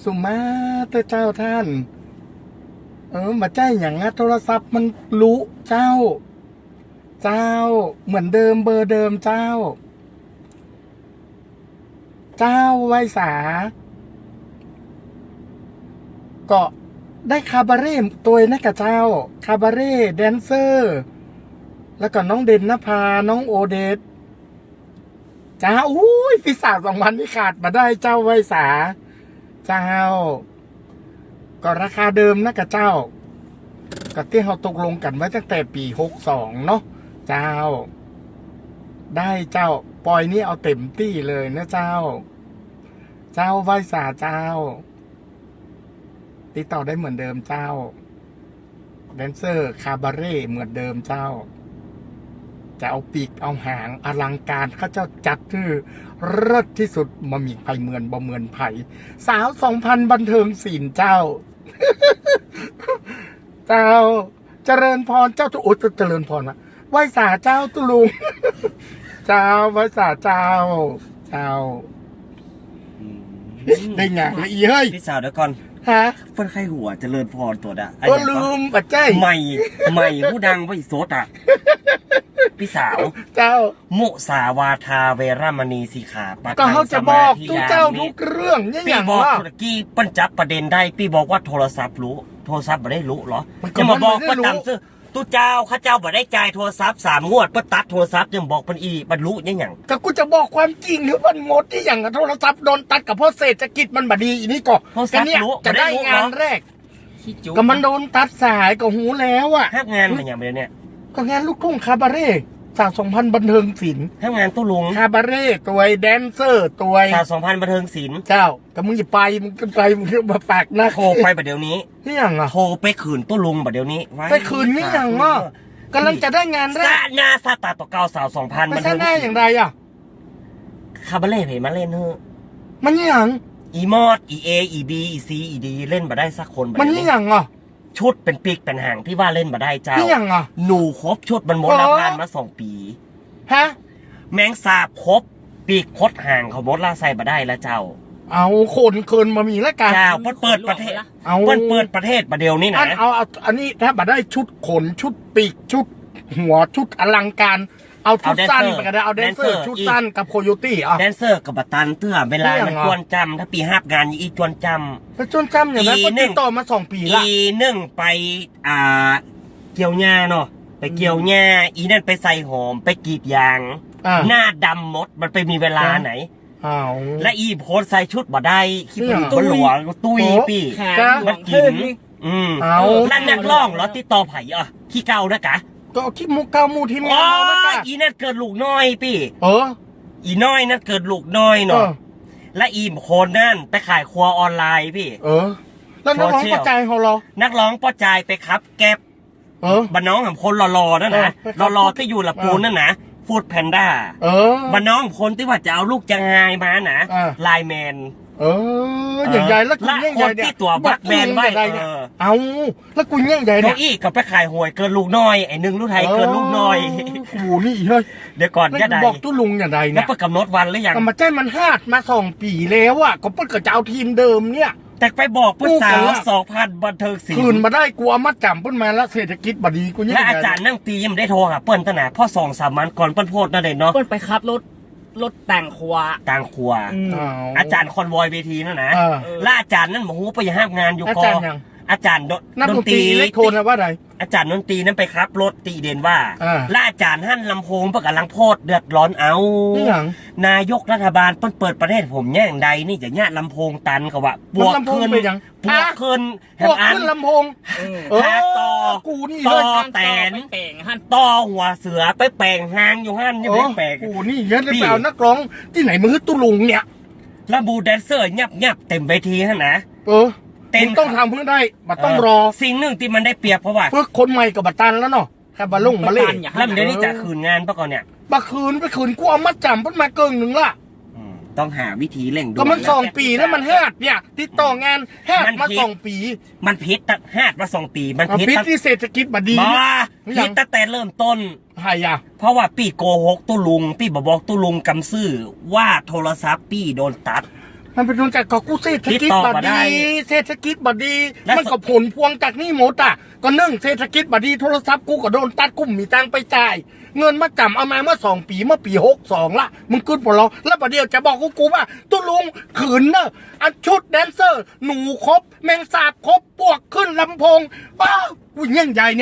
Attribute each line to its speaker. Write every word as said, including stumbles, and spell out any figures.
Speaker 1: สุมาเตอร์เจ้าท่านเออมาใจอย่างนะโทรศัพท์มันรู้เจ้า เจ้าเหมือนเดิมเบอร์เดิมเจ้า เจ้าไวสาก็ได้คาบาเร่ตัวนักกับเจ้าคาบาเร่แดนเซอร์แล้วก็น้องเด่นนภาน้องโอเดตจ้าอุ้ยปีศาจสองพันนี่ขาดมาได้เจ้าไวสาเจ้าก็ราคาเดิมนะกับเจ้าก็ที่เราตกลงกันไว้ตั้งแต่ปีหกสองเนาะเจ้าได้เจ้าปอยนี่เอาเต็มที่เลยนะเจ้าเจ้าไวสาเจ้าติดต่อได้เหมือนเดิมเจ้าแดนเซอร์คาบาเร่เหมือนเดิมเจ้าจะเอาปีกเอาหางอลังการเขาเจ้าจัดคือเลิศที่สุดมามีไผ่เหมือนบ่เหมือนไผ่สาวสองพันบันเทิงศิลป์เจ้า เจ้าเจริญพรเจ้าตุโอเจริญพรนะไหวสาเจ้าตุลุง เจ้าไหวสาเจ้าเจ้าได้ไงละอีเฮ้ย
Speaker 2: พี่สาวเดี๋ยวก่อน
Speaker 1: ฮะ
Speaker 2: เพิ่นไข้หัวเจริญพรตัวอ่ะ
Speaker 1: ก็ลืมปัจจัย
Speaker 2: ใหม่ใหม่ผู้ดังไว้โซดอ่ะพี่สาว
Speaker 1: เจ้า
Speaker 2: มุสาวาทาเวรมณีสีขาปะ
Speaker 1: ก็เขาจะบอกทุกเจ้าทุกเรื่องนี่อย่างว่า
Speaker 2: พี่บอกกี้ปั้นจับประเด็นได้พี่บอกว่าโทรศัพท์รู้โทรศัพท์ไม่ได้รู้เหรอจะมาบอกว่าตามซื้อตู้เจ้าข้าเจ้าบ่ได้จ่ายโทรศัพท์สามงวดเพื่อตัดโทรศัพท์ยังบอกเป็นอีบรรลุยังอย่าง
Speaker 1: ก็กูจะบอกความจริงหรือมันหมดที่อย่างโทรศัพท์โดนตัดกับเพราะเศรษฐกิจมันบดีอีนี่ก็กันเนี่ยจะได้งานแรกก็มันโดนตัดสายก็หูแล้วอ่ะ
Speaker 2: ห้างานมันอย่างเดียวเนี่ย
Speaker 1: ก็งานลูกทุ่งคาบาเร่สาวสองพันบันเทิงศิลป์
Speaker 2: ห้างานตู้ลุง
Speaker 1: คาบาเร่ตัวแดนเซอร์ตัว
Speaker 2: สาวสองพันบันเทิงศิลป์
Speaker 1: เจ้าแต่มึงอย่าไปมึงไปมึงมาปากนะ
Speaker 2: โทรไปประเดี๋ยวนี้
Speaker 1: นี่อย่างอ่ะ
Speaker 2: โทรไปคืนตู้ลุงประเดี๋ยวนี้
Speaker 1: ไปคืนนี่อย่างอ่ะกำลังจะได้งานแรก
Speaker 2: หน้าซาตาต่อเก้าสาวสองพัน
Speaker 1: มันจะได้อย่างไรอ่ะ
Speaker 2: คาบาเล่เพมาเล่นเถอะ
Speaker 1: มันนี่อย่าง
Speaker 2: อีมอดอีเออีบีอีซีอีดีเล่นมาได้สักคน
Speaker 1: มันนี่อย่างอ่ะ
Speaker 2: ชุดเป็นปีกเป็นหางที่ว่าเล่นมาได้เจ้า
Speaker 1: นี่อย่างอ่ะ
Speaker 2: หนูครบชุดมันหมดละพันมาสองปี
Speaker 1: ฮะ
Speaker 2: แมงสาบครบปีกคดหางเขาหมดละใส่มาได้แล้วเจ้า
Speaker 1: เอาคนเกินมามีแล้วกัน
Speaker 2: เจ้าเปิดเปิดประเทศเอาเปิดเปิดประเทศประเดี๋ยวนี้นะ
Speaker 1: เอาเอาอันนี้ถ้ามาได้ชุดขนชุดปีกชุดหัวชุดอลังการเอาชุดสั้นไปกันได้เอาแดนเซอร์ชุดสั้นกับโคโยตี้อ่ะ
Speaker 2: แดนเซอร์กับบัตตันเตื้อเวลามันจวนจำถ้าปีห้างานอีจวนจ
Speaker 1: ำไปจวนจำอย่างนั้นก็ติดต่อมาสองปีละ
Speaker 2: อีหนึ่งไปอ่าเกี่ยวหญ้าเนาะไปเกี่ยวหญ้าอีนั่นไปใส่หอมไปกรีดยางหน้าดำหมดมันไปมีเวลาไหนและอีโพสใส่ชุดบ่ได้ขี้มันหลวงตุ้ยปีมันกินอืมแล้วนักร้องเหรอติดต่อไผ่อ่ะขี้เก่านะกะ
Speaker 1: ก็คิดมูเกามูทีมงาน
Speaker 2: เราแล้วกันอีนั่นเกิดลูกน้อยพี่
Speaker 1: เออ
Speaker 2: อีน้อยนั่นเกิดลูกน้อยเนาะและอีมโคนนั่นไปขายครัวออนไลน์พี่
Speaker 1: เออแล้วนักร้องป้อใจของเรา
Speaker 2: นักร้องป้อใจไปครับแก็บ
Speaker 1: เออ
Speaker 2: บ้านน้องของคนรอๆนั่นนะรอๆที่อยู่ละปูนนั่นนะฟูดแพนด้า
Speaker 1: เออ
Speaker 2: บ้านน้องคนที่ว่าจะเอาลูกจะงายมานะไลน์แมน
Speaker 1: เอออย่างใหญ่แล้ว
Speaker 2: คุณเงี้ยใหญ่เนี่ยตัวบักแมนไว้
Speaker 1: เอาแล้วคุณเงี้ยใหญ่เนี่ย
Speaker 2: อีกกับไปขายหวยเกินลูกน้อยไอ้หนึ่งลูกไทยเกินลูกน้อย
Speaker 1: โอ้นี่เฮ้ย
Speaker 2: เดี๋ยวก่อนจะได้
Speaker 1: บอกตู้ลุงอย่างไรเนี่ย
Speaker 2: แล้วประกำหนดวันหรือยัง
Speaker 1: มาแจ้งมันฮาดมาสองปีแล้วอ่ะก็เพิ่งจะเอาทีมเดิมเนี่ย
Speaker 2: แต่ไปบอกผู้สาวสองพันบันเทิงศิลป์
Speaker 1: คืนมาได้กลัวมัดจำเพิ่นมาแล้วเศรษฐกิจบดีกูเนี่ย
Speaker 2: และอาจารย์นั่งตียังได้โทรหาเปิ้ลตั้งแต่พ่อสองสามวันก่อนเปิ้ลโพดนั่นเลยเนาะ
Speaker 3: เปิ้ลไปขับรถรถแต่งครัว
Speaker 2: แต่งครัวอาจารย์คอนวอยเวทีนั่นนะและอาจารย์นั่นบอกว่าไปห้ามงานอยู่กออาจารย์
Speaker 1: ดนตรีเล็กโทนว่าไร
Speaker 2: อาจารย์ดนตรีนั้นไปครับรถตีเด่นว่าและอาจารย์หั่นลำโพงประกาศลังโพดเดือดร้อนเอานายกรัฐบาลเปิดเปิดประเทศผมแย่งใดนี่จะเนี่ยลำโพงตันกับว่าบวกขึ้นบวกขึ้น
Speaker 1: บวกขึ้นลำโพง
Speaker 2: หาต่อ
Speaker 1: กูนี่
Speaker 2: ต่อแตนต่อหัวเสือไปแปลงหางอยู่หั่นยังไม่แปลง
Speaker 1: กูนี่ยันไปเอานักร้องที่ไหนมือตุลุงเนี่ย
Speaker 2: แล้วบูแดนเซอร์ยับยับเต็มเวทีฮะนะ
Speaker 1: เออเต็มต้องทำเพื่อได้บัตต้องรอ
Speaker 2: สิ่งหนึ่งที่มันได้เปรียบเพราะว่า
Speaker 1: เพื่อคนใหม่กับบัตตันแล้วเนาะแค่บาลุ่งมาเล่น
Speaker 2: แล้วเดี๋ยวนี้จะคืนงานปะก่อนเนี่ย
Speaker 1: บัคืนไปคืนกูเอามัดจำเพิ่นมาเกินหนึ่งละ
Speaker 2: ต้องหาวิธีเร่งด่วน
Speaker 1: ก็มันสองปีแล้วมันแฮดเนี่ยติดต่องานแฮดมาสองปี
Speaker 2: มันพิษตั้งแฮดมาสองปีมัน
Speaker 1: พิษที่เศรษฐกิจบดี
Speaker 2: มาพิษตั้งแต่เริ่มต้น
Speaker 1: ใช่ยะ
Speaker 2: เพราะว่าปีโกหกตู้ลุงปีบอกตู้ลุงกำซื่อว่าโทรศัพท์ปีโดนตัด
Speaker 1: มันเป็นผลจากก็กูเศรษฐกิจ
Speaker 2: ติดต่
Speaker 1: บ
Speaker 2: อมาได้
Speaker 1: ดีเศรษฐกิจบดี
Speaker 2: และ
Speaker 1: มันก็ผลพวงจากนี่หมดอ่ะก็นึ่งเศรษฐกิจบดีโทรศัพท์กูก็โดนตัดกูมีตังค์ไปจ่ายเงินมาจำเอามาเมื่อสองปีเมื่อปีหกสองละมึงขึ้นปลอแล้วประเดี๋ยวจะบอกกูกูว่าตุลุงขืนเนอะอันชุดแดนเซอร์ หนูครบแมงสาบครบปวกขึ้นลำโพงว้าวกูยิ่งใหญ่เนี่ย